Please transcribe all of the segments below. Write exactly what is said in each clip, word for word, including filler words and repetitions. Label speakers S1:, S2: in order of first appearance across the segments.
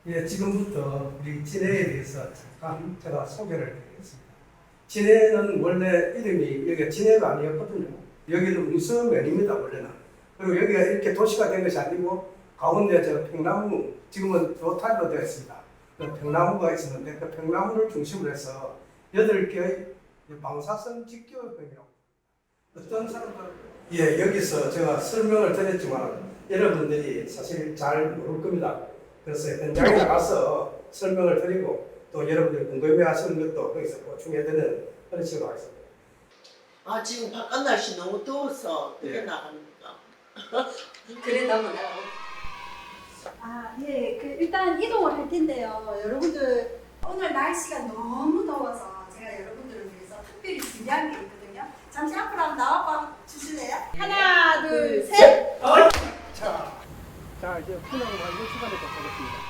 S1: 예, 지금부터 우리 진해에 대해서 잠깐 제가 소개를 드리겠습니다. 진해는 원래 이름이 여기가 진해가 아니었거든요. 여기는 웅서면입니다, 원래는. 그리고 여기가 이렇게 도시가 된 것이 아니고 가운데 저 평나무, 지금은 로탈로 되어 있습니다. 그 평나무가 있었는데 그 평나무를 중심으로 해서 여덟 개의 방사선 직교형이라고. 어떤 사람들, 예, 여기서 제가 설명을 드렸지만 여러분들이 사실 잘 모를 겁니다. 그래서 현장에 나가서 설명을 드리고 또 여러분들이 궁금해 하시는 것도 거기서 보충해드리는 그런 식으로 하겠습니다.
S2: 아 지금 바깥 날씨 너무 더워서 어떻게
S1: 예.
S2: 나갑니까?
S3: 그래 나면
S4: 아, 예. 그 일단 이동을 할 텐데요. 여러분들 오늘 날씨가 너무 더워서 제가 여러분들을 위해서 특별히 준비한 게 있거든요. 잠시 앞으로 한번 나와봐 주실래요? 하나, 둘, 셋.
S1: 자, 자 이제 훈ang 완료 시간에 도착했습니다.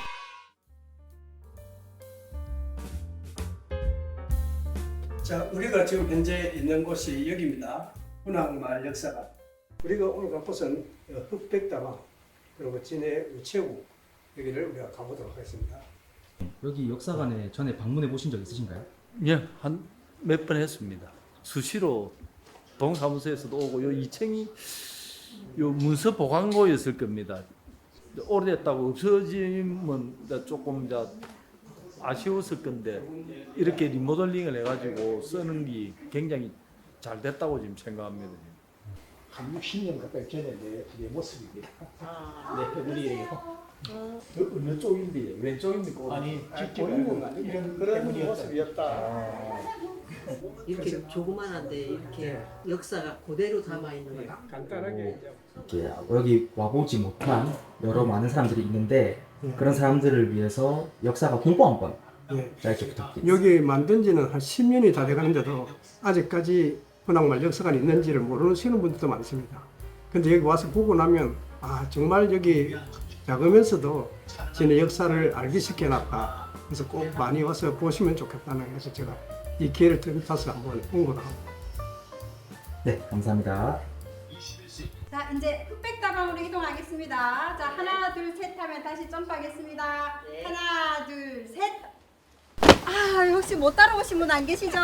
S1: 자, 우리가 지금 현재 있는 곳이 여기입니다. 훈ang 역사관. 우리가 오늘 갈 곳은 흑백다방 그리고 진해 우체국 여기를 우리가 가보도록 하겠습니다.
S5: 여기 역사관에 전에 방문해 보신 적 있으신가요?
S6: 예, 한 몇 번 했습니다. 수시로 동사무소에서도 오고 요 이 층이 요 문서 보관고였을 겁니다. 오래됐다고 없어지면 이제 조금 이제 아쉬웠을 건데 이렇게 리모델링을 해가지고 쓰는 게 굉장히 잘 됐다고 지금 생각합니다.
S1: 한 육십 년 가까이 전에 내, 내 모습입니다.
S2: 아,
S1: 네, 우리예요.
S2: 어,
S1: 어느 쪽인데 왼쪽입니까?
S6: 아니,
S1: 직접 보는 건 이런 그런 모습이었다.
S2: 이렇게 조그만한데 이렇게 역사가 그대로 담아 있는 거예요.
S1: 간단하게 이제
S5: 이렇게 여기 와보지 못한 여러 많은 사람들이 있는데 그런 사람들을 위해서 역사가 공부 한번
S1: 예.
S5: 짧게 부탁드립니다.
S1: 여기 만든 지는 한 십 년이 다 돼가는데도 아직까지 훈ang 역사관이 있는지를 모르시는 분들도 많습니다. 근데 여기 와서 보고 나면 아 정말 여기 작으면서도 진해 역사를 알기 쉽게 해놨다. 그래서 꼭 많이 와서 보시면 좋겠다는 해서 제가 이 기회를 타서 한번 홍보를 합니다.
S5: 네, 감사합니다.
S4: 자, 이제 흑백다방으로 이동하겠습니다. 자, 하나, 둘, 셋 하면 다시 점프하겠습니다.
S2: 네.
S4: 하나, 둘, 셋. 아, 혹시 못 따라오신 분 안 계시죠?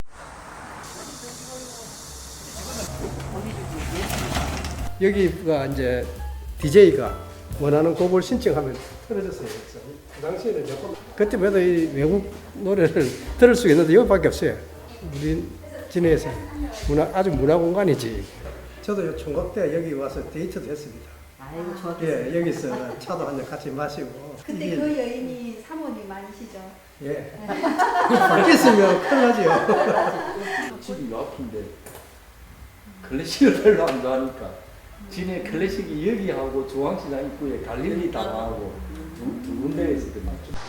S4: 여기가 이제 디제이가 원하는 곡을 신청하면 틀어졌어요. 그래서 그 당시에는 조금 그때마다 이 외국 노래를 들을 수 있는데 여기밖에 없어요. 우리 진해에서 문화 아주 문화 공간이지. 저도 요 총각 때 여기 와서 데이트도 했습니다.
S2: 아이고 좋았겠어요.
S1: 예, 여기서 차도 한잔 같이 마시고.
S4: 그때
S1: 이게-
S4: 그 여인이 사모님 아니시죠?
S1: 예. 바뀌었으면 큰일 나죠.
S6: 집이 요 앞인데 클래식을 별로 안 좋아하니까 진해 클래식이 여기하고 중앙시장 입구에 갈릴리 다방하고 두, 두 군데에 있었거든요.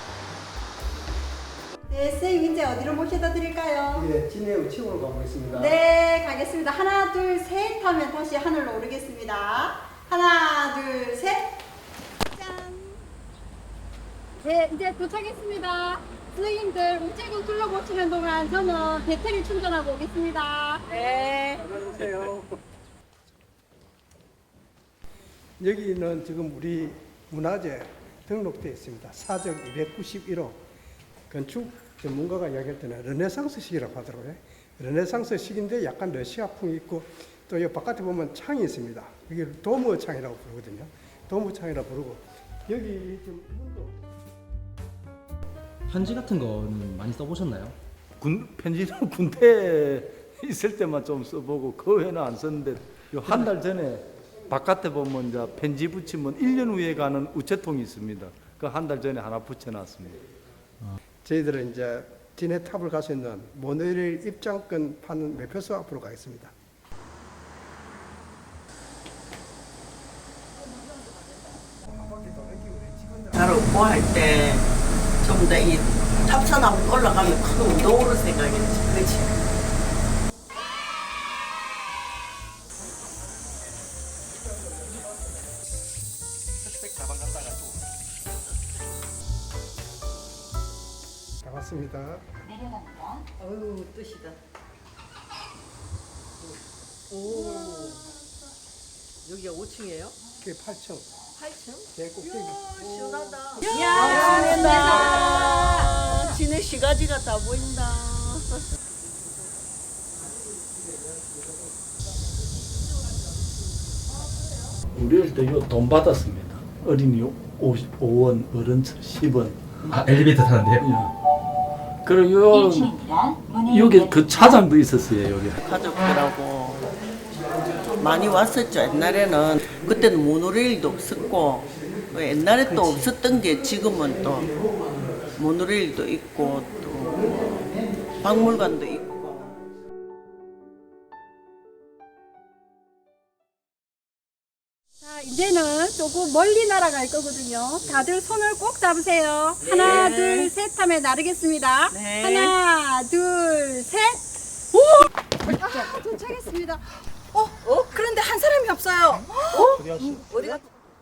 S4: 네, 선생님 이제 어디로 모셔다 드릴까요?
S1: 예, 진해 우체국으로 가보겠습니다.
S4: 네, 가겠습니다. 하나, 둘, 셋 하면 다시 하늘로 오르겠습니다. 하나, 둘, 셋. 짠. 네, 이제 도착했습니다. 선생님들 우체국 둘러보시는 동안 저는 배터리 충전하고 오겠습니다. 네.
S1: 안녕하세요. 여기는 지금 우리 문화재 등록되어 있습니다. 사적 이백구십일 호 건축 전문가가 이야기할 때는 르네상스식이라고 하더라고요. 르네상스식인데 약간 러시아풍이 있고 또 이 바깥에 보면 창이 있습니다. 이게 도무 창이라고 부르거든요. 도무 창이라고 부르고 여기 지금 문도
S5: 편지 같은 거는 많이 써보셨나요?
S6: 군, 편지는 군대에 있을 때만 좀 써보고 그 외에는 안 썼는데 한 달 전에 바깥에 보면 이제 편지 붙이면 일 년 후에 가는 우체통이 있습니다. 그 한 달 전에 하나 붙여놨습니다.
S1: 저희들은 이제 진해 탑을 갈 수 있는 모노레일 입장권 파는 매표소 앞으로 가겠습니다.
S2: 나를 공부할 때 좀 더 이 탑산 한번 올라가면 큰 운동으로 생각했지. 그렇지.
S1: 다 왔습니다.
S2: 어우 뜻이다. 오. 여기가 오 층이에요?
S1: 그게 팔 층.
S2: 팔 층?
S1: 제 꼭대기.
S2: 시원하다.
S4: 야,
S2: 보인다. 진해 시가지가 다 보인다.
S6: 우리 어릴 때 돈 받았습니다. 어린이 오십오 원, 어른 십 원.
S5: 아 엘리베이터 타는데요?
S6: 그리고 요, 여기 그 차장도 있었어요, 여기.
S2: 가족들하고 많이 왔었죠. 옛날에는 그때는 모노레일도 없었고 옛날에 또 없었던 게 지금은 또 모노레일도 있고 또 박물관도 있고.
S4: 자, 이제는 조금 멀리 날아갈 거거든요. 다들 손을 꼭 잡으세요. 하나, 둘, 셋 하면 나르겠습니다.
S2: 네.
S4: 하나, 둘, 셋. 오! 아, 도착했습니다. 어, 어? 그런데 한 사람이 없어요. 어? 어디가?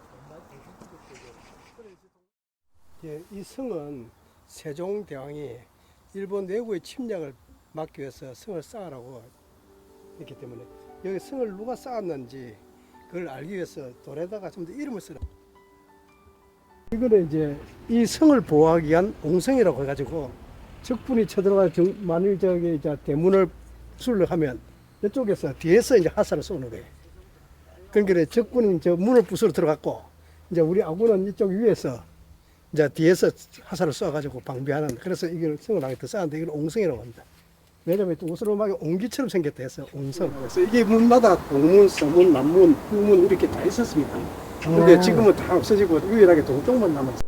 S1: 예, 이 성은 세종대왕이 일본 내국의 침략을 막기 위해서 성을 쌓으라고 했기 때문에 여기 성을 누가 쌓았는지 그걸 알기 위해서 돌에다가 좀 더 이름을 쓰라. 이거는 이제 이 성을 보호하기 위한 옹성이라고 해가지고 적군이 쳐들어가 정, 만일 저기 이제 대문을 수를 하면 이쪽에서 뒤에서 이제 화살을 쏘는 거예요. 그러니까 적군이 저 문을 부수러 들어갔고 이제 우리 아군은 이쪽 위에서 이제 뒤에서 화살을 쏘아가지고 방비하는, 그래서 이걸 성을 하게 더 쌓았는데 이걸 옹성이라고 합니다. 왜냐면 또 오스로막이 옹기처럼 생겼다 해서 옹성. 그래서 이게 문마다 동문, 서문, 남문, 후문 이렇게 다 있었습니다. 근데 지금은 다 없어지고 유일하게 동쪽만 남았어요.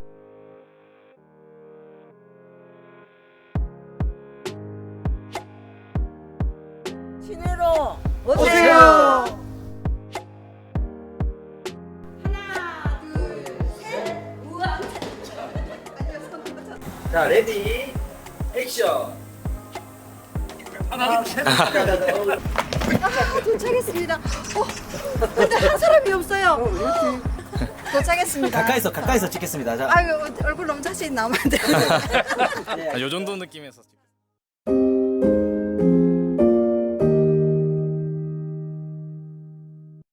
S2: 진해로
S4: 오세요. 하나, 둘, 셋. 우와.
S5: 자 레디 액션.
S4: 아, 도착했습니다. 어, 근데 한 사람이 없어요. 도착했습니다.
S5: 가까이서 가까이서 찍겠습니다. 자.
S4: 아유, 얼굴 너무 자세히 나오면 안 돼요.
S7: 아, 요 정도 느낌에서